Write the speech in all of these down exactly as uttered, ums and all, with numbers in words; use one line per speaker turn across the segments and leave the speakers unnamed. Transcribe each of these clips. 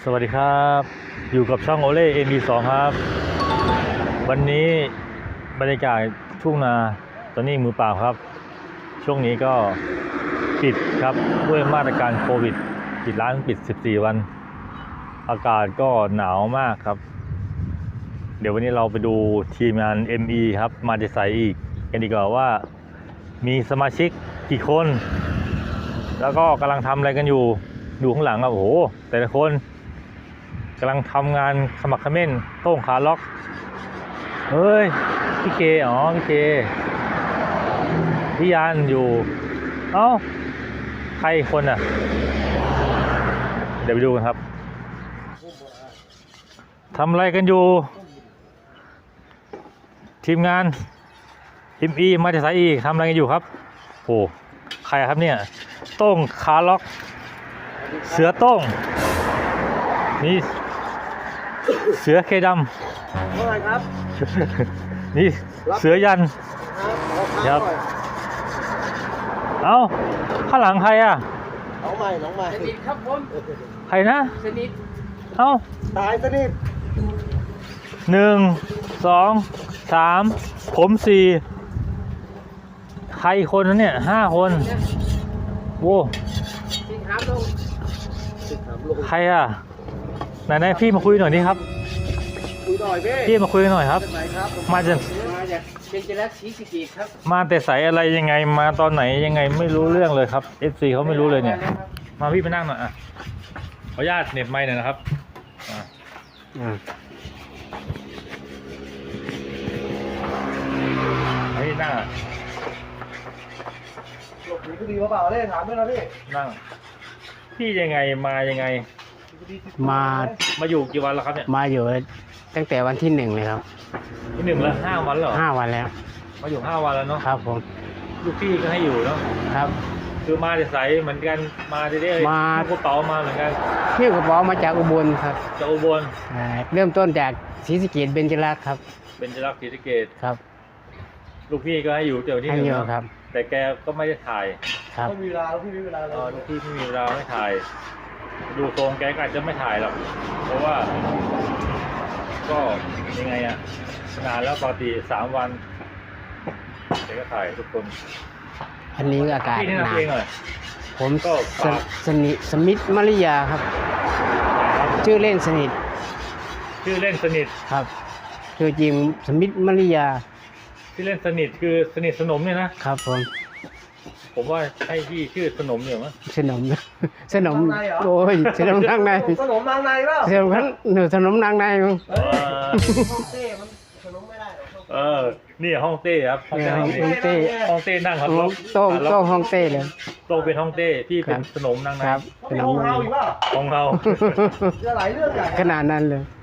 สวัสดีครับอยู่กับช่องโอเล่ เอ็ม บี สอง ครับวันนี้บรรยากาศทุ่งนาตอนนี้มือเปล่าครับช่วงนี้ก็ปิดครับด้วยมาตรการโควิดปิดร้านปิดสิบสี่วันอากาศก็หนาวมากครับเดี๋ยววันนี้เราไปดูทีมงาน เอ็ม อี ครับมาจะใส่อีกกันดีกว่าว่ามีสมาชิกกี่คนแล้วก็กำลังทำอะไรกันอยู่ดูข้างหลังครับโอ้โหแต่ละคนกำลังทำงานขมักเขม้นโต้งขาล็อกเฮ้ยพี่เคอ๋อพี่เคพี่ยานอยู่เอ้าใครคนอ่ะเดี๋ยวไปดูกันครับทำอะไรกันอยู่ทีมงานทีมอีมาจากสายอีทำอะไรกันอยู่ครับโอ้ใครครับเนี่ยโต้งขาล็อกเสือโต้งนี่เสือเคดำว่าไงครับนี่เสือยันครับเอ้าข้างหลังใครอ่ะ
น้องใหม่น้องใหม่
สนิทครับผม
ใครนะ
สนิท
เอ้า
ตายสนิท
หนึ่งสองสามผมสี่ใครคนนั้นเนี่ยห้าคนโว้
สิงหามลง
สิงหามลง
ใครอ่ะไหนๆพี่มาคุยหน่อยนี่ครับ
คุยหน่อยพี่
พี่มาคุยหน่อยครับมาจาก
มาจากเป็นจิรักศรีสะเกษครับ
มาแต่ใสอะไรยังไงมาตอนไหนยังไงไม่รู้เรื่องเลยครับ เอฟ ซี เขาไม่รู้เลยเนี่ยมาพี่ไปนั่งหน่อยอ่ะขออนุญาตเน็บไมค์หน่อยนะครับอ่าอืมให้นั่งอ่ะ
หลบหนีคดีมาเปล่าเล่ถามด้วยนะพี่
นั่งพี่ยังไงมายังไง
มา
มาอยู่กี่วันแล้วครับเนี่ย
มาอยู่ตั้งแต่วันที่หนึ่งเลยครับ
ที่หนึ่งแล้วห้าวันเหรอ
ห้าวันแล้ว
มาอยู่ห้าวันแล้วเนาะ
ครับผม
ลูกพี่ก็ให้อยู่เนาะ
ครับ
คือมาจะใสเหมือนกันมาได้ได้
มาก
ระเป๋ามาเหมือนกัน
พี่กระเป๋ามาจากอุบลครับ
จากอุบล
เริ่มต้นจากศรีสะเกษเบญจรักษ์ครับ
เบญจรักษ์ศรีสะเกษ
ครับ
ลูกพี่ก็ให้อยู่เดี๋ยวนี้
ให้อยู่ครับ
แต่แกก็ไม่ได้ถ่าย
ครับ
ไม่มีเวลาลูกพี่ไม่มีเวลาเลย
ลูกพี่ไม่มีเวลาไม่ถ่ายดูทรงแกก็อาจจะไม่ถ่ายหรอกเพราะว่าก็ยังไงอะนานแล้วปกติสามวันแกก็ถ่ายทุกคน
อันนี้อากาศหนาวผม
ก็
สนิทสมิทธมาริยาครับชื่อเล่นสนิท
ชื่อเล่นสนิท
ครับชื่อจริงสมิทธมาริยา
ชื่อเล่นสนิทคือสนิทสนมเนี่ยนะครับ
ผม
ผมว่าให้พี่ชื่อสนมอยู่มั้ย
สนมสนมโอ้ยสนมนางใน
สนมนางในเปล่า
สนมหนูสนมนางในมั้ง
ห้องเต้มันสนมไม่ได้
เออนี่ห้องเต้ครับ
ห้องเต้
ห้องเต้นั่งครับ
โต้งโต้งห้องเต้เลย
โต้งเป็นห้องเต้พี่เป็นสนมนางใน
ครับ
สนมเฮาอีกป่ะ
ของเฮา
จะหลายเรื่องใหญ่
ขนาดนั้นเลย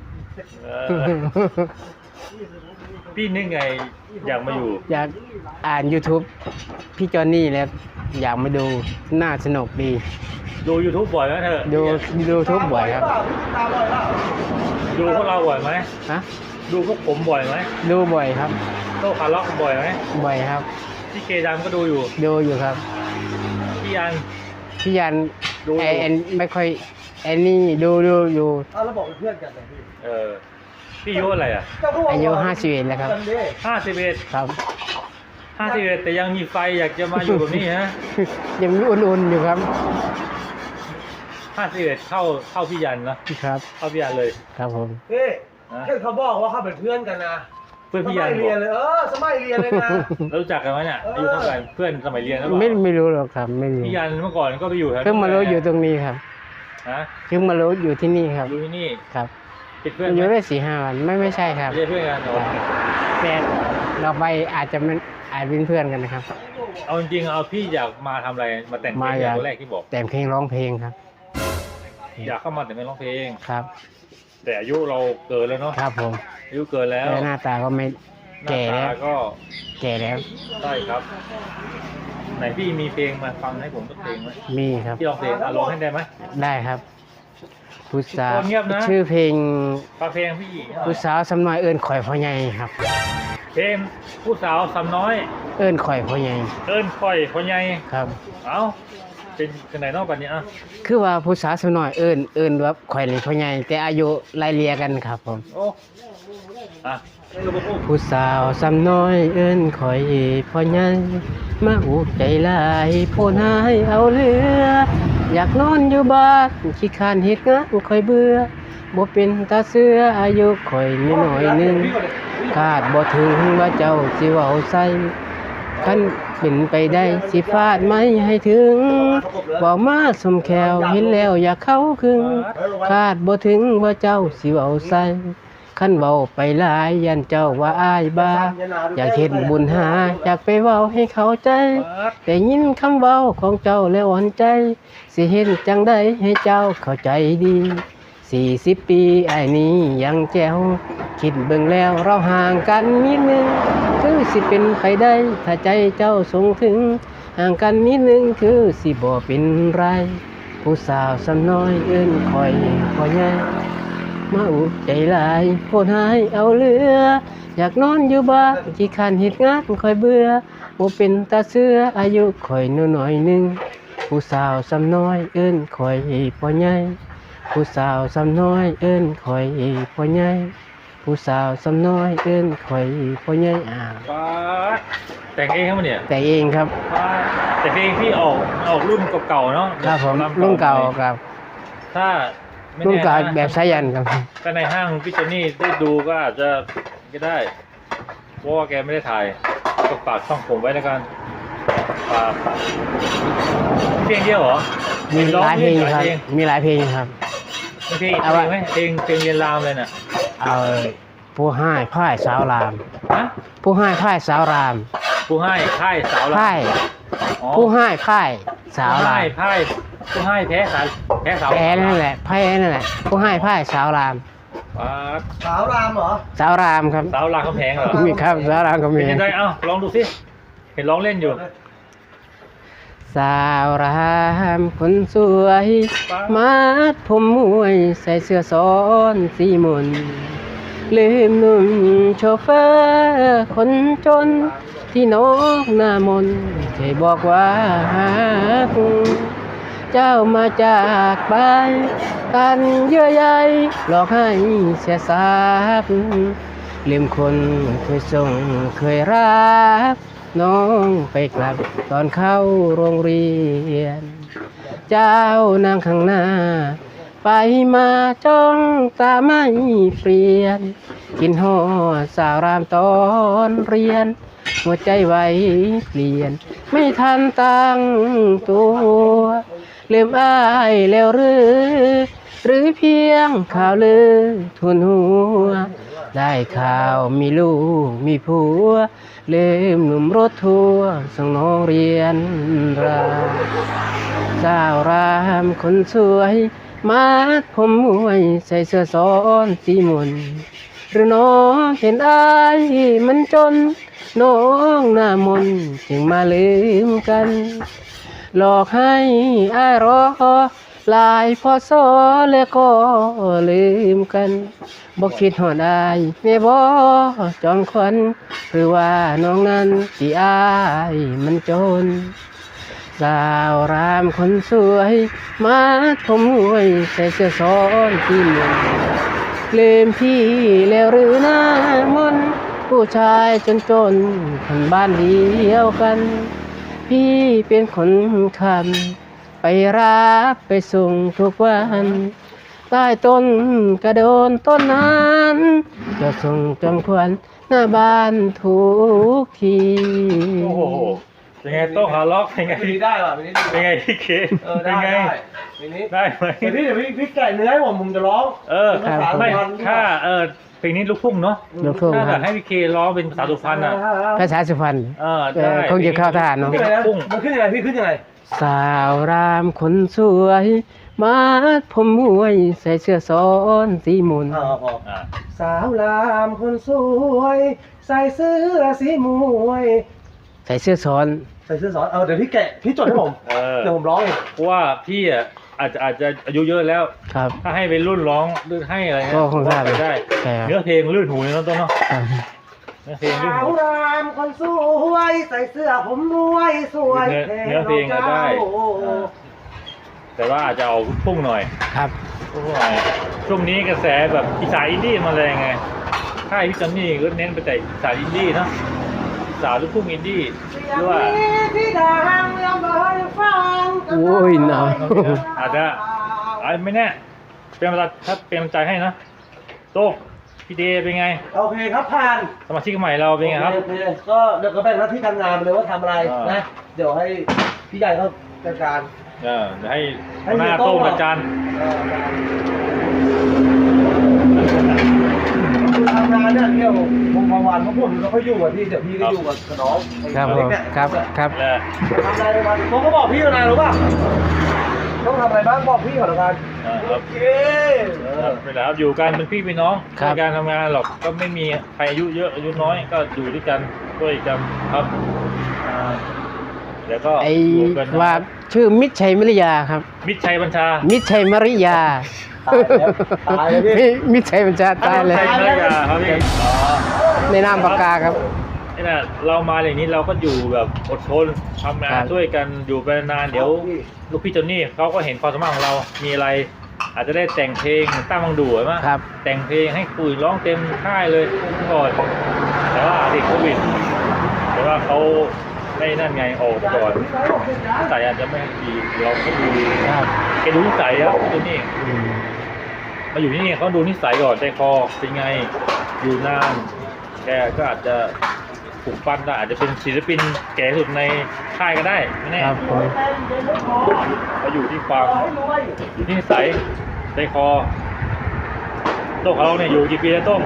พี่นึกไงอยากมาอยู่
อยากอ่าน YouTube พี่จอนนี่แล้วอยากมาดูน่าสนุกดี
ดู YouTube บ่อยไหมเธอ
ดู YouTube บ่อยครับ
ดูพวกเราบ่อยไหม
ฮะ
ดูพวกผมบ่อยไหม
ดูบ่อยครับ
โต้คาร์ล็อกบ่อยไหม
บ่อยครับ
พี่เคดามก็ดูอยู่
ดูอยู่ครับ
พี่ยัน
พี่ยันไอแอนไม่ค่อยไอ้นี่ดูดูอยู่
อ้าวแล้วบอกเป็นเพื่อนกันเหรอพี่
เออพี่อายุอะไรอ่ะ
อายุห้าสิบเอ็ดแล้วครับ
ห้าสิบเอ็ด
ครับ
ห้าสิบเอ็ดแต่ยังมีไฟอยากจะมาอยู่แบบนี้ฮะ
ยังมีอุ่นๆอยู่ครับ
ห้าสิบเอ็ดเข้าเข้าพี่ยันนะครับเข้าพี่ยันเลย
ครับผม
เฮ้ยแค่เขาบอกว่าเขาเป็นเพื่อนกันนะ
เพื่อนพี่ยัน
เรียนเลยเออสมัยเรียนเลยนะ
รู้จักกันไหมเนี่ยอายุเท่ากันเพื่อนสมัยเรียนหรือเปล่า
ไม่ไม่รู้หรอกครับไม่รู้
พี่ยันเมื่อก่อนก็ไปอยู่แถว
เพิ่งมารู้อยู่ตรงนี้ครับ
ฮะ
เพิ่งมารู้อยู่ที่นี่ครับ
อยู่ที่นี่
ครับ
เป็นเพื่อน
อยู่ได้สี่ห้าวันไม่ไม่ใช่ครับ
ไม่ใช่เพื่อนกัน
แต่เราไปอาจจะเป็นอาจเป็นเพื่อนกันนะครับ
เอาจริงๆเอาพี่อยากมาทำอะไรมาแต่งเพลงอย่างแรกที่บอก
แต่งเพลงร้องเพลงครับ
อยากเข้ามาแต่ไม่ร้องเพลง
ครับ
แต่อายุเราเกินแล้วเนาะ
ครับผม
อายุเกินแล้ว
หน้าตาก็ไม่แก่แล้ว
ก็
แก่แล้ว
ใช่ครับไหนพี่มีเพลงมาฟังให้ผมสักเพลงไหม
มีครับ
พี่ร้องเพลงอ่ะร้องให้ได้ไหม
ได้ครับผู้สาวชื่อเพลง
ฟังเพลงพี่
ผู้สาวสำน้อยเอิ้นข่อยพ่อใหญ่ครับ
เพลงผู้สาวสำน้อย
เอิ้นข่อยพ่อใหญ่
เอิ้นข่อยพ่อใหญ่
ครับ
เอาเป็นกันไหนนอกกันนี้อ่ะ
คือว่าผู้สาวสาวน้อยเอิ้นเอิ้นว่าข่อยนี่พ่อใหญ่แต่อายุไล่เลี่ยกันครับผม
โอ้อ่ะให้ลูกพูด
ผู้สาวสาวน้อยเอิ้นข่อยพ่อใหญ่มาอุกใจหลายโพนหายเอาเรือ อยากนอนอยู่บ้านขี้คร้านเฮ็ดงานข่อยเบื่อบ่เป็นตาเสืออายุข่อยมีน้อยหนึงคาดบ่ถึงว่าเจ้าสิเว้าใส่คันเป็นไปได้สิฟาดไม้ให้ถึงเว้ามาสมแขวเห็นแล้วอยากเข้าครึ่งคาดบ่ถึงว่าเจ้าสิเว้าใส่คันเว้าไปหลายยันเจ้าว่าอายบ้าอยากเฮ็ดบุญหาอยากไปเว้าให้เข้าใจแต่ยินคำเว้าของเจ้าแล้วอ่อนใจสิเห็นจังได๋ให้เจ้าเข้าใจดีสี่สิบปีไอ้นี้ยังแจ๋วคิดเบิ่งแล้วเราห่างกันนิดนึงคือสิเป็นไปได้ถ้าใจเจ้าทรงถึงห่างกันนิดนึงคือสิบ่เป็นไรผู้สาวสำน้อยเอิ้นคอยพ่อใหญ่มาอุกใจหลายโพดหายเอาเรืออยากนอนอยู่บ้านขี้คร้านเฮ็ดงานคอยเบื่อบ่เป็นตาเสืออายุคอยน้อยๆนึงผู้สาวสำน้อยเอิ้นคอยพ่อใหญ่ผู้สาวสำน้อยเอิ้นคอยพ่อใหญ่ผู้สาวสำน้อยเอิ้นคอยพ่อใหญ่อ่า
ป้าดแต่งเองครับเนี่ย
แต่เองครับ
ป้าดแต่เพลงพี่ออกออกรุ่นเก่าๆเนาะ
ครับผม
ำ
รุ่นเก่าครับ
ถ้าไม่
รุ่น
แน่
เก่า
นะ
แบบสายันครับ
ถ้าในห้างพี่โจนี่ได้ดูก็อาจจะก็ได้เพราะว่าแกไม่ได้ถ่ายก็ฝากช่องผมไว้แล้วกันฝากเพลงเดียวเหรอ
มีหลายเพลง
ห
ครับ
เพลง
มีหลายเพลงครับ
มีเพลงอีก
เอา
เพล
วะ
งไหมเพลงเพลงเรียนรามเลยน่ะ
เอาผู้ให้พ่ายสาวราม
ฮะ
ผู้ให้พ่ายสาวราม
ผู้ให้ค่ายสาวราม
พ่าย
อ๋อ
ผู้ให้พ่ายสาวราม
ผู้ให้ผู้ให้แพ้สาวแพ้สาว
แพ้นั่นแหละแพ้นั่นแหละผู้ให้พ่ายสาวราม
ป้าด
สาวรามเหรอ
สาวรามครับ
สาวรามคำแพงเหรอ
มีครับสาวรามก็มี
เป็นยังไงเอ้าลองดูสิเห็นร้องเล่นอยู่
สาวรามคนสวยมัดผมมวยใส่เสื้อซ้อนสีมนลืมหนุ่มโชเฟอร์คนจนที่นกหน้ามนเคยบอกว่าหากเจ้ามาจากไปกันเยื่อใยหลอกให้เสียทรัพย์ลืมคนเคยส่งเคยรักน้องไปกลับตอนเข้าโรงเรียน เจ้านางข้างหน้า ไปมาจ้องตาไม่เปลี่ยน กินห่อสาวรามตอนเรียน หัวใจไว้เปลี่ยน ไม่ทันตั้งตัวลืมอ้ายแล้วหรือ หรือเพียงข่าวลือทุนหัว ได้ข่าวมีลูกมีผัวลืมหนุ่มรถทัวร์ส่งน้องเรียนรามสาวรามคนสวยมัดผมมวยใส่เสื้อซ้อนสีมนหรือน้องเห็นอายมันจนน้องหน้ามนจึงมาลืมกัน หลอกให้อายรอหลายพอสอแล้วก็ลืมกันบอกคิดหอดอายแม่บ่จองควันหรือว่าน้องนั้นที่อายมันจนสาวรามคนสวยมาผมหวยใส่เสื้อซ้อนที่มนลืมพี่แล้วหรือหน้ามนผู้ชายจนจนคนบ้านเดียวกัน พี่เป็นคนคำไปรับไปส่งทุกวันใต้ต้นกระโดนต้นนั้นจะส่งจำควันหน้าบ้านทุกที
โอ้โหเป็นไงโต้งขาล็อกเป็นไง
เพลงนี้ได้ป่ะเพลงนี้ดี
เป็นไงพี่เค
เออ
เป็
ได้
นไง
ได้เพลงนี้
ได้ไหม
เดี๋ยวพี่เดี๋ยวพี่พี่แกะเนื้อให้ผมผมจะร้อง
เออ
เป็นภาษา
ไม่
สุพรรณ
ถ้าเออเพลงนี้ลูกทุ่งเนาะ
ลูกทุ่ง
ถ้า
ค
แบ
รั
บบ ให้พี่เคร้องเป็นภาษาสุพรรณอ่ะ
ภาษาสุพรรณ
เออ
เอ
ได้
อคงจะเข้าทหารเนอะ
ขึ้น
เพล
ยังไง
ง
นะ
ลูกทุ่ง
มันขึ้นยังไงพี่ขึ้นยังไง
สาวรามคนสวยมัดผมมวยใส่เสื้อซ้อนสีมน
อ่าพอ
อ่า
สาวรามคนสวย ใส่เสื้อสีมวย
ใส่เสื้อซ้อน
ใส่เสื้อสอนเออเดี๋ยวพี่แกะพี่จดให้ผม
เออ
เดี๋ยวผมร้องเอง
เพราะว่าพี่อ่ะอาจจะอาจจะอายุเยอะแล้ว
ครับ
ถ้าให้เป็นรุ่นร้องลื่นให้อะไรเงี้ย
ก็คงได้
ว่าปได้
ใช่ครับ
เนื้อเพลงลื่นหูเลยเนาะต้นเนาะ
ครับ
เนื้อเพลงลื่น
สา
หู
วรามคนสวยใส่เสื้อผมมวยสวย
เนื้อเนื้อเพลงอะได้
แทน
แต่ว่าอาจจะเอาพุ่งหน่อย
ครับ
พุ่งหน่อยช่วงนี้กระแสแบบอีสานอินดี้มาแรงไงค่ายพี่จอนนี่ก็เน้นไปแต่อีสานอินดี้เนาะอีสานลูกทุ่งอินดี้หรือว่า
ที่ดังเรื่องบ่อยฟัง
โอ้ยหนาว
อาจจะอาจไม่แน่เป็นกำลังถ้าเป็นกำลังใจให้นะโต้งพี่เดย์เป็นไง
โอเคครับผ่าน
สมาชิกใหม่เราเป็นไงครับ
โอเคก็เดี๋ยวก็แบ่งหน้าที่การงานไปเลยว่าทำอะไร
อ่าน
นะ เดี๋ยวให้พี่ใหญ่เขาจัดการ
เออเดี๋ยวให้
ให้
หัวหน้า
เฮียโต้
โต้
ง
งอาจารย์
เออคือทำงานเนี่ยเที่ยววงประวันเพราะผมเราก็อยู่กับพี่เดี๋ยวพี่ก็อยู่กับน้อง
ครับผม
เนี่ย
ครับครับ
แล้ว
ทำอะไรในวันผมก็บอกพี่แล้วนะรู้ป่ะต้องทำอะไรบ้างบอกพี่ก่อนละกัน
เออครับ
โอเค
ครับเป็นไรครับอยู่กันเป็นพี่เป็นน้อง
ครับ
ในการทำงานหรอกก็ไม่มีใครอายุเยอะอายุน้อยก็อยู่ด้วยกันด้วยกันครับอ่าเดี๋ยวก็
ไอ้
อยู่กันนะ
ว่าชื่อมิตรชัยมริยาครับ
มิตรชัยบัญชา
มิตรชัยมริยา
ตายแล้วตายแล้วพี่
มิตรชัยบัญชาตายเลย
มิตรชัยมริยาครับพี่อ๋อ
ในนามปากกาครับ
นี่แหละเรามาอย่างนี้เราก็อยู่แบบอดทนทำงา
ครั
น
บ
ช่วยกันอยู่ไปนานๆเดี๋ยวลูกพี่จอนนี่เขาก็เห็นความสามารถของเรา มีอะไร อาจจะได้แต่งเพลงเหมือนตั้งวังดูใช่ไหม
ครับ
แต่งเพลงให้คุยร้องเต็มค่ายเลยก่อนแต่ว่าติดโควิดแต่ว่าเขาไม่นั่นไงออกก่อนนิสัยอาจจะไม่ดีเราก็ดู
ครับ
แกดูนิสัยครับพี่จอนนี่
อืม
มาอยู่ที่นี่เขาดูนิสัยก่อนใจคอเป็นไงอยู่นานแกก็อาจจะปลุกปั้นได้อาจจะเป็นศิลปินแก่ที่สุดในค่ายก็ได้ไม่แน่
ครับผม
เขาอยู่ที่ความอยู่ที่นิสัยใจคอโต้งของเราเนี่ยอยู่กี่ปีแล้วโต้ง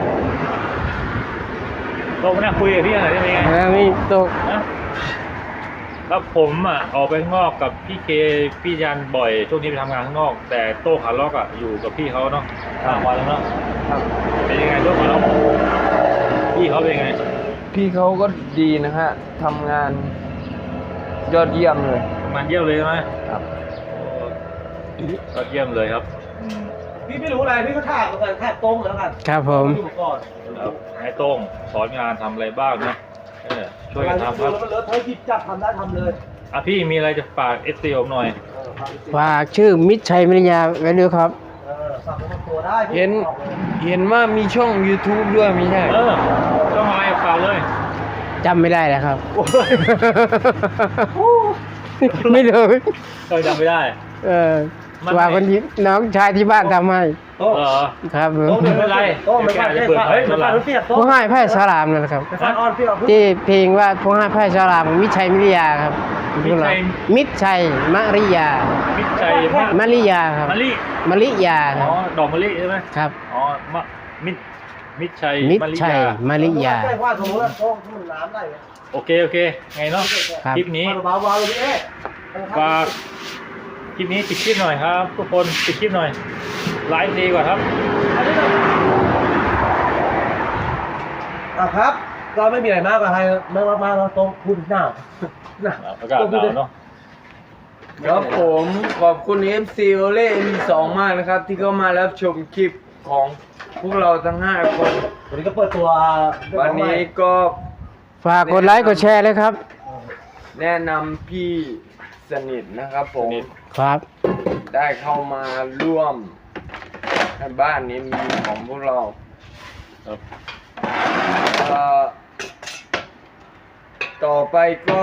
โต้งมานั่งคุยกับพี่หน่อยได้ไหมไง
แล้วนี่ตก
แล้วผมอ่ะออกไปข้างนอกกับพี่เคพี่ยันบ่อยช่วงนี้ไปทำงานข้างนอก แต่โต้งขาล็อกอ่ะอยู่กับพี่เขาเนาะห้าวันแล้วเนาะเป็นยังไงโต้งขาล็อกพี่เขาเป็นยังไง
พี่เขาก็ดีนะฮะทำงานยอดเยี่ยมเลย
มันเยี่ยมเลยใช่ไหม
ครับ
โอ้ยอดเยี่ยมเลยครับอืม
พี่ไม่รู้อะไรพี่ก็ถามกันถามตรงแล้วกัน
ครับผม
อยู่ก่อน
ครับให้โต้งสอนงานทำอะไรบ้างนะเออช่วยกันทำครับ
แล้วมันเลอะเทอะหยิบจับทำได้ทำเลย
อ่ะพี่มีอะไรจะฝากเอสซีผมหน่อย
เออฝาก
ฝากชื่อมิตรชัยมริยาไว้ด้วยครับ
เออฝากเป็นตัวได้พี่
เห็น
บอกเลย
เห็นว่ามีช่อง YouTube ด้วยไม่ใช่
เออต้องอะไรฝากเลย
จำไม่ได้แล้วครับ ไม่รู้
ก็จำไม่ได้
เออ
มัน
ว่าคนที่น้องชายที่บ้านทำให้
โต๊ะ
เหรอ
ครับผม
โต๊ะ
ไม่เป็นไร
โต๊ะไม่เป็นไร
เดี๋ยวแกจะเปิด
เฮ้ย
เผ
ไม่
ย
เป็นไรเปียกโต๊ะ
ผู้ให้ไพ่สลามนั่นแหละครับ
ไปฟังออนพี่เอา
ที่เพลงว่าผู้ให้ไพ่สลามมิตรชัยมริยาครับ
มิตรชัย
มิตรชัยมริยา
มิตรชัยมะ
มริยาครับ
มะลิ
มริยาค
อ๋
รั
อบ ดอกมะลิใช่ไหม
ครับ
อ๋อมะมิตรมิตรชัย
มิตร
มะลิ
ชัย
ยา
มริยา
ใกล้ว่าสมมติว่าโต๊ะที่มันน้ำได้ไง
โอเคโอเคไงเนาะ
ครับ
คลิปนี้
เบาๆเบาๆเลยพี่เอ๊ะ
ฝากคลิปนี้ปิดคลิปหน่อยครับ ทุกคนปิดคลิปหน่อยไลฟ์ดีกว่าครับ
อ่ะครับก็ไม่มีอะไรมากกว่าใครไม่มากมากเราต้องพูดหน้าหน้า
อากาศหนาวเนาะ
ครับผมขอบคุณ เอฟ ซี โอเล่ เอ็ม สอง มากนะครับ ที่เข้ามารับชมคลิปของพวกเราทั้งห้าคน
วันนี้ก็เปิดตัว
วันนี้ก็
ฝากกดไลค์กดแชร์เลยครับ
แนะนำพี่สนิทนะครับผม
ครับ
ได้เข้ามาร่วมในบ้านนี้มีของพวกเรา
ครับ
เอ่อต่อไปก็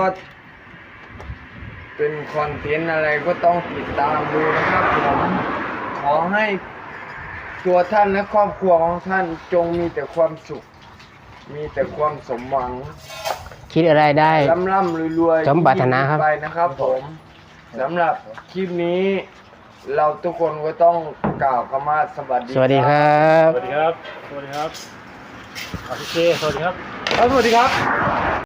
เป็นคอนเทนต์อะไรก็ต้องติดตามดูนะครับผมขอให้ตัวท่านและครอบครัวของท่านจงมีแต่ความสุข มีแต่ความสมหวัง
คิดอะไรได้
ร่ำร่ำรวยๆ
สมปรารถนาครับ
ไปนะครับผมสำหรับคลิปนี้ เราทุกคนก็ต้องกล่าวคำว่าสวัสดี
สวัสดีครับ
สวัสดีครับ สวัสดีครับอาพี่เคสวัสดีครับ
สวัสดีครับ